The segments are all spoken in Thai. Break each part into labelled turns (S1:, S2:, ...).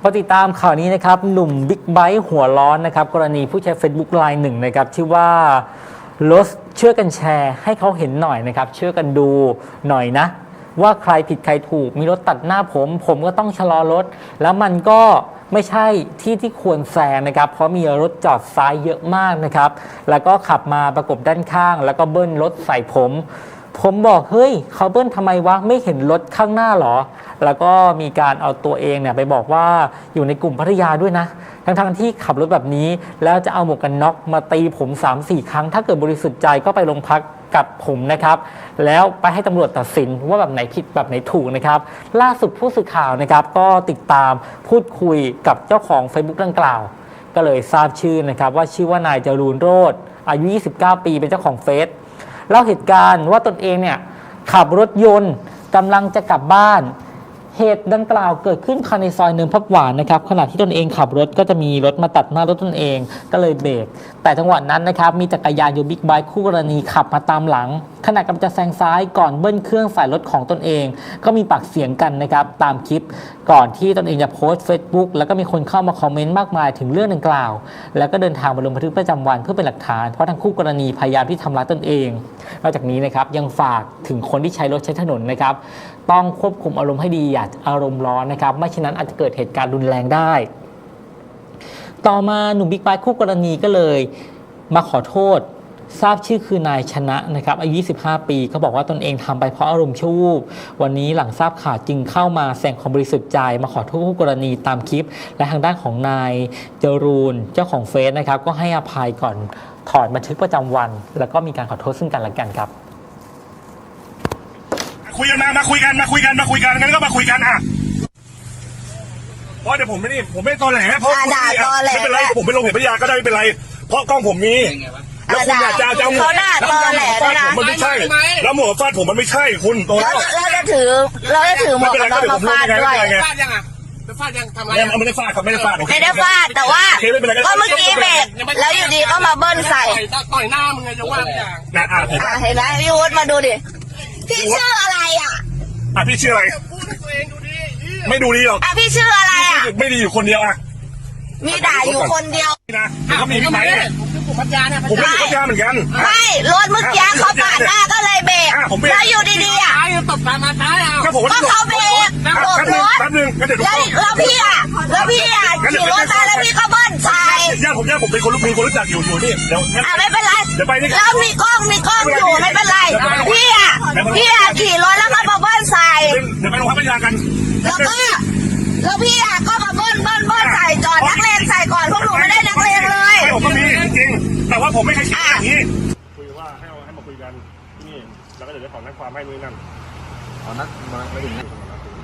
S1: มาติดตามข่าวนี้นะครับหนุ่มบิ๊กไบค์หัวร้อนนะครับกรณีผู้ใช้ Facebook รายหนึ่งนะครับชื่อว่ารถช่วยกันแชร์ให้เขาเห็นหน่อยนะครับช่วยกันดูหน่อยนะว่าใครผิดใครถูกมีรถตัดหน้าผมก็ต้องชะลอรถแล้วมันก็ไม่ใช่ที่ควรแซงนะครับเพราะมีรถจอดซ้ายเยอะมากนะครับแล้วก็ขับมาประกบด้านข้างแล้วก็เบิ้ลรถใส่ผมบอกเฮ้ยเขาเบิ้ลทำไมวะไม่เห็นรถข้างหน้าหรอแล้วก็มีการเอาตัวเองเนี่ยไปบอกว่าอยู่ในกลุ่มพัทยาด้วยนะทั้งที่ขับรถแบบนี้แล้วจะเอาหมวกกันน็อกมาตีผม 3-4 ครั้งถ้าเกิดบริสุทธิ์ใจก็ไปโรงพักกับผมนะครับแล้วไปให้ตำรวจตัดสินว่าแบบไหนผิดแบบไหนถูกนะครับล่าสุดผู้สื่อข่าวนะครับก็ติดตามพูดคุยกับเจ้าของ Facebook ดังกล่าวก็เลยทราบชื่อนะครับว่าชื่อว่านายจรูนโรจน์อายุ 29 ปีเป็นเจ้าของเฟซเล่าเหตุการณ์ว่าตนเองเนี่ยขับรถยนต์กำลังจะกลับบ้านเหตุดังกล่าวเกิดขึ้นภายในซอยเนินพับหวานนะครับขณะที่ตนเองขับรถก็จะมีรถมาตัดหน้ารถตนเองก็เลยเบรกแต่จังหวะนั้นนะครับมีจักรยานยนต์บิ๊กไบค์คู่กรณีขับมาตามหลังขณะกำลังจะแซงซ้ายก่อนเบิ้ลเครื่องใส่รถของตนเองก็มีปากเสียงกันนะครับตามคลิปก่อนที่ตนเองจะโพสต์ Facebook แล้วก็มีคนเข้ามาคอมเมนต์มากมายถึงเรื่องดังกล่าวแล้วก็เดินทางมาลงบันทึกประจำวันเพื่อเป็นหลักฐานเพราะทั้งคู่กรณีพยายามที่ทำร้ายตนเองนอกจากนี้นะครับยังฝากถึงคนที่ใช้รถใช้ถนนนะครับต้องควบคุมอารมณ์ให้ดีอย่าอารมณ์ร้อนนะครับไม่เช่นนั้นอาจจะเกิดเหตุการณ์รุนแรงได้ต่อมาหนุ่มบิ๊กไบค์คู่กรณีก็เลยมาขอโทษทราบชื่อคือนายชนะนะครับอายุ 25 ปีเขาบอกว่าตนเองทำไปเพราะอารมณ์ชั่ววูบวันนี้หลังทราบข่าวจึงเข้ามาแสดงความบริสุทธิ์ใจมาขอโทษคู่กรณีตามคลิปและทางด้านของนายจรูนเจ้าของเฟซนะครับก็ให้อภัยก่อนถอนบันทึกประจำวันแล้วก็มีการขอโทษซึ่งกันและกันครับ
S2: คุยกันมาคุยกันงั้นก็มาคุยกันอ่ะเพราะเดี๋ยวผมไม่ตอแหลเพราะไม่เป็นไรผมไปลงเพจพัทยาก็ได้ไม่เป็นไรเพราะกล้องผมมีแล้วคุณอยากจะเอาหมวกฟาดผมมันไม่ใช่แล้วหมวกฟาดผมมันไม่ใช่คุณตัวแล้ว
S3: จะถือหมวกกันน็อกมาฟาดด้วย
S4: ฟาดยังอ่ะฟาดยังทำอะไร
S2: ไม่ได้ฟาดครับไม่ได้ฟาด
S3: แต่ว่าก็เมื่อกี้เบรกแล้วอยู่ดีก็มาเบิ้ลใส่
S4: ต่อยหน้ามึงไงจะว่าอย่าง
S3: เห็นไหมพี่วุฒิมาดูดิพี่ชื่ออะไรอ่ะ
S2: พี่ชื่ออะไรไม่ดูดีหรอก
S3: พี่ชื่ออะไรอ่ะ
S2: ไม่ดีอยู่คนเดียวอ่ะ
S3: มีด่าอยู่คนเดียว
S2: นะเขามีไหม
S4: ผมพัทยาเนี่ย
S2: ผมเป็นพัทยาเหมือนกัน
S3: ไม่รถเมื่อกี้เขาปาดหน้าก็เลยเบรกแล้วอยู่ดีๆอ่ะ
S4: ตบมาท้ายเอา
S3: ก็เขาเบรกโบกรถแล้วพี่อ่ะขี่รถมาแล้วพี่ก็เบิ้ลใส่
S2: ญาติผมเป็นคนรู้จักอยู่นี่เดี๋ยว
S3: ไม่เป็นไร
S2: เดี๋ยวไปนี่
S3: แล้วมีกล้องอยู่ไม่เป็นไรพี่อ่ะขี่รถแล้วก็มาเบิ้ลใส่
S2: เดี๋ยวไปโรงพักพัทยากัน
S3: แล้วพี่อ่ะก็มาเบิ้ลใส่จอดนักเลงใส่ก่อนพวกหนูไม่ได้นักเลงเลย
S2: ผมก็มีจริงแต่ว่าผมไม่เคยคิดอย่างนี้คุยว่าให้มาคุยกันที่นี่แล้วก็เดี๋ยวจะขอนัดความให้นู่นนั่น
S5: ขอนัดมาไม่ถึงนะ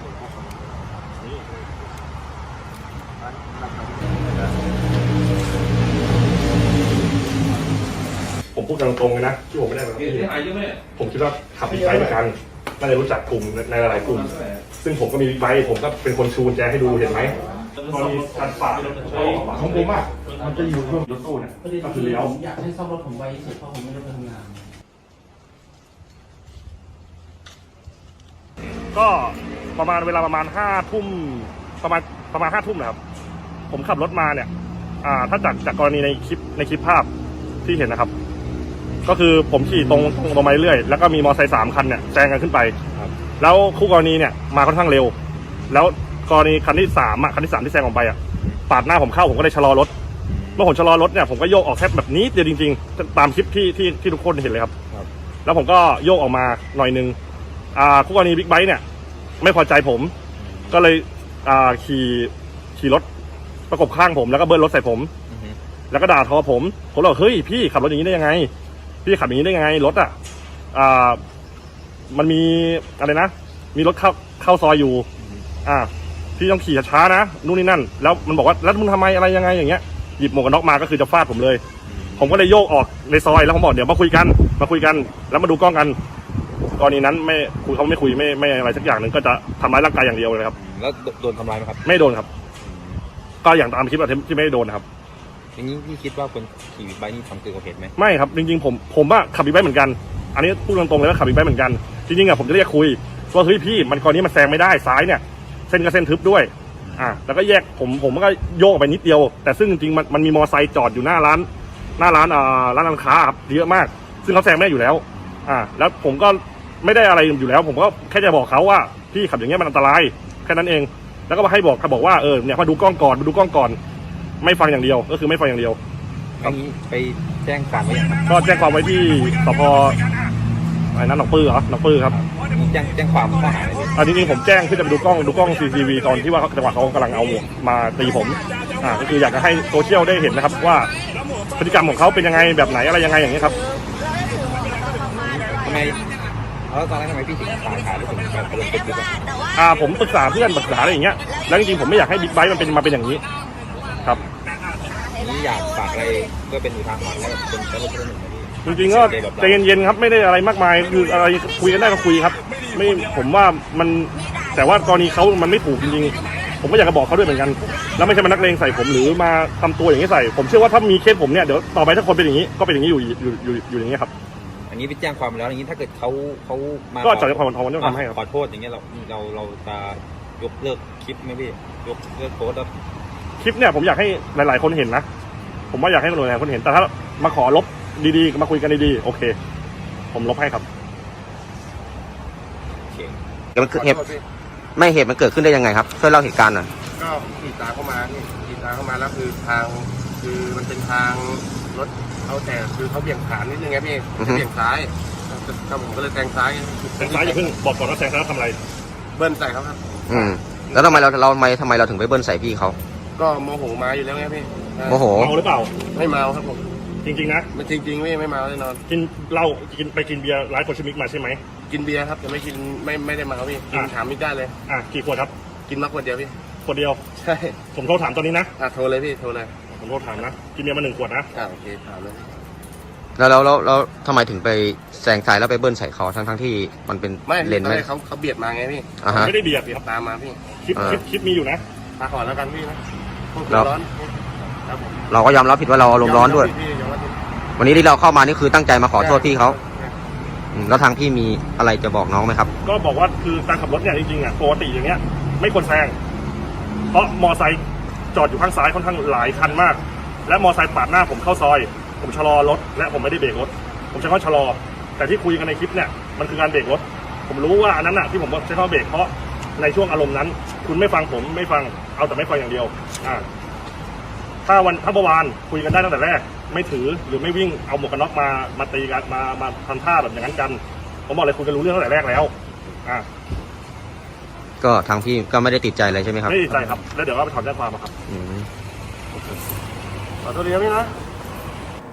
S2: ผมพูดตรงๆเลยนะที่ผมไม่ได้แบบนี้ผมคิดว่าขับบิ๊กไบค์เหมือนกันน่าจะรู้จักกลุ่มในหลายๆกลุ่มซึ่งผมก็มีบิ๊กไบค์ผมก็เป็นคนชูกุญแจให้ดูเห็นไหมตอนนี้การฝากของผมอ่ะมันจะอยู่ช่วงรถตู้เนี่ยก็คือเลี้ยว
S1: อยากให้ซ่อมรถผมไว้เสร็จเพราะผมไม่ได้ทำงาน
S2: ก็ประมาณเวลาประมาณ5 ทุ่มประมาณ5 ทุ่มนะครับผมขับรถมาเนี่ยถ้าจากกรณีในคลิปภาพที่เห็นนะครับก็คือผมขี่ตรงมาเรื่อยแล้วก็มีมอเตอร์ไซค์3 คันเนี่ยแซงกันขึ้นไปแล้วคู่กรณีเนี่ยมาค่อนข้างเร็วแล้วกรณีคันที่3ที่แซงออกไปปาดหน้าผมเข้าผมก็เลยชะลอรถเมื่อผมชะลอรถเนี่ยผมก็โยกออกแค่แบบนี้เดียวจริงๆตามคลิปที่ทุกคนเห็นเลยครับแล้วผมก็โยกออกมาหน่อยนึงคู่กรณีบิ๊กไบค์เนี่ยไม่พอใจผมก็เลยขี่รถประกบข้างผมแล้วก็เบิ้ลรถใส่ผมแล้วก็ด่าทอผมบอกเฮ้ยพี่ขับรถอย่างนี้ได้ยังไงพี่ขับอย่างนี้ได้ยังไงรถมันมีอะไรนะมีรถเข้าซอยอยู่พี่ต้องขี่ช้าๆนะนู่นนี่นั่นแล้วมันบอกว่าแล้วมึงทำไมอะไรยังไงอย่างเงี้ยหยิบหมวกกันน็อกมาก็คือจะฟาดผมเลยผมก็เลยโยกออกในซอยแล้วผมบอกเดี๋ยวมาคุยกันแล้วมาดูกล้องกันกรณีนั้นเขาไม่คุยไม่อะไรสักอย่างหนึ่งก็จะทำร้ายร่างกายอย่างเดียวเลยครับ
S5: แล้วโดนทำร้ายไหมครับ
S2: ไม่โดนครับก็อย่างตามคลิปที่ไม่ได้โดนนะครับ
S5: อย่างนี้พี่คิดว่าคนขี่บิ๊กไบค์นี่ทำเกินกว่าเหตุไหม
S2: ไม่ครับจริงๆผมขับบิ๊กไบค์เหมือนกันอันนี้พูดตรงๆเลยว่าขับบิ๊กไบค์เหมือนกันจริงๆผมจะเรียกคุยว่าเฮ้ยพี่มันกรณีมันแซงไม่ได้ซ้ายเนี่ยเส้นก็เส้นทึบด้วยแล้วก็แยกผมก็โยกออกไปนิดเดียวแต่ซึ่งจริงๆมันมีมอไซค์จอดอยู่หน้าร้านร้านค้าครับเยอะมากซึ่งเขาแซงไม่ได้อยู่แล้วแล้วผมก็ไม่ได้อะไรอยู่แล้วผมก็แค่จะบอกเขาว่าพี่ขับอย่างเงี้ยมันอันตรายแค่นั้นเองแล้วก็มาให้บอกว่าเนี่ยมาดูกล้องก่อนไม่ฟังอย่างเดียวก็คือไม่ฟังอย่างเดียว
S5: อันนี้ไปแจ้งความไว้ยังครับ
S2: ก็แจ้งความไว้ที่สพอะไรนั้นหนองปื้อเหรอหนองปื้อครับ
S5: มีแจ้งความข้อหาอะไรพี่
S2: จริงๆผมแจ้งเพื่อจะไปดูกล้อง CCTV ตอนที่ว่าจังหวะเขากำลังเอาหมวกมาตีผมก็คืออยากจะให้โซเชียลได้เห็นนะครับว่าพฤติกรรมของเขาเป็นยังไงแบบไหนอะไรยังไงอย่างนี้ยครับ
S5: ทำไมแล้วตอนนั้นทำไมพี่ถึงถ่ายแล้วถึงไปลงเฟซบุ๊กอะ
S2: ผมปรึกษาเพื่อนปรึกษาอะไรอย่างเงี้ยแล้วจริงๆผมไม่อยากให้บิ๊กไบค์มันเป็นอย่างนี้ครับ
S5: อันนี้อยากฝากอะไรก็เป็นอุทาหรณ์ให้กับคนใช้รถทุกคนนะพี่
S2: จริงๆก็ใจเย็นๆครับไม่ได้อะไรมากมายคืออะไรคุยกันได้ก็คุยครับไม่ผมว่ามันแต่ว่ากรณีเขามันไม่ถูกจริงๆผมก็อยากจะบอกเขาด้วยเหมือนกันแล้วไม่ใช่มานักเลงใส่ผมหรือมาทำตัวอย่างนี้ใส่ผมเชื่อว่าถ้ามีเคสผมเนี่ยเดี๋ยวต่อไปถ้าคนเป็นอย่างนี้ก็เป็นอย่างนี้อยู่อย่างนี้ครับ
S5: อันนี้ไปแจ้งความแล้วอย่างนี้ถ้าเกิดเขามา
S2: ก็จะความทองจะทำให้ครับ
S5: ขอโทษอย่างเงี้ยเราจะยกเลิกคลิปไหมพี่ยกเลิกโพสต์แล้ว
S2: คลิปเนี่ยผมอยากให้หลายๆคนเห็นนะผมว่าอยากให้หลายๆคนเห็นแต่ถ้ามาขอลบดีๆมาคุยกันดีๆโอเคผมลบให้ครับ
S5: โอเค
S6: มันเกิดเหตุมันเกิดขึ้นได้ยังไงครับช่วยเล่าเหตุการณ์หน่อย
S7: ก็ขี่ตามเข้ามานี่ขี่ตามเข้ามาแล้วคือมันเป็นทางรถเขาแต่คือเขาเบี่ยงขวานิดนึงไงพี่จะเบี่ยงซ้ายก็ผมก็เลยแซงซ้าย
S2: แซงซ้ายอย่าเพิ่งบอกก่อนว่าแซงซ้ายทำอะไร
S7: เบิ้ลใส่เขาครับ
S6: แล้วทำไมเราถึงไปเบิ้ลใส่พี่เขา
S7: ก็โมโหมาอยู่แล้วไงพี่
S6: โมโห
S2: เมาหรือเปล่า
S7: ไม่เมาครับผม
S2: จริงๆนะ
S7: มันจริงๆไม่เมาแน่นอน
S2: กินเหล้าไปกินเบียร์ร้านโคชมิกมาใช่ไหม
S7: กินเบียร์ครับแต่ไม่กินไม่ได้เมาพี่กินถามมิกได้เลย
S2: กี่ขวดครับ
S7: กินมาขวดเดียวพี่
S2: ขวดเดียว
S7: ใช่
S2: ผมโทรถามตอนนี้นะ
S7: โทรเลยพี่โทรเลย
S2: ผมโทรถามนะกินเบียร์มา1 ขวดนะ
S7: โอเคถามเลย
S6: แล้วทำไมถึงไปแซงซ้ายแล้วไปเบิ้ลใส่เขาทั้งที่มันเป็น
S7: ไม่
S6: เลนไหม
S7: เขาเบียดมาไงพี่
S6: อ่าฮะ
S2: ไม่ได้เบียด
S7: ตามมาพี่
S2: คลิปมีอยู่นะ
S7: มาก่อนแล้วกันพี่นะพวก
S6: แล้ว
S7: ร้อนครับผม
S6: เราก็ยอมรับผิดว่าเราอารมณ์ร้อนด้วย
S7: พี่ยอมรับผิด
S6: วันนี้ที่เราเข้ามานี่คือตั้งใจมาขอโทษพี่เขาแล้วทางพี่มีอะไรจะบอกน้องไหมครับ
S2: ก็บอกว่าคือการขับรถเนี่ยจริงๆปกติอย่างเงี้ยไม่ควรแซงเพราะมอไซค์จอดอยู่ข้างซ้ายค่อนข้างหลายคันมาก และมอไซค์ปาดหน้าผมเข้าซอย ผมชะลอรถและผมไม่ได้เบรกรถผมใช้คำว่าชะลอแต่ที่คุยกันในคลิปเนี่ยมันคือการเบรกรถผมรู้ว่าอันนั้นน่ะที่ผมใช้คำว่าเบรกเพราะในช่วงอารมณ์นั้น คุณไม่ฟังผมไม่ฟังเอาแต่ไม่ฟังอย่างเดียวถ้าเมื่อวานคุยกันได้ตั้งแต่แรกไม่ถือหรือไม่วิ่งเอาหมวกกันน็อกมาตีกันมาทำท่าแบบอย่างนั้นกันผมบอกเลยคุยกันรู้เรื่องตั้งแต่แรกแล้ว
S6: ก็ทางพี่ก็ไม่ได้ติดใจอะไรใช่ไหมครับ
S2: ไม่ติดใจครับแล้วเดี๋ยวก็ไปถอนแจ้งความครับ
S6: อืม
S2: ขอโทษดีนะพี่นะ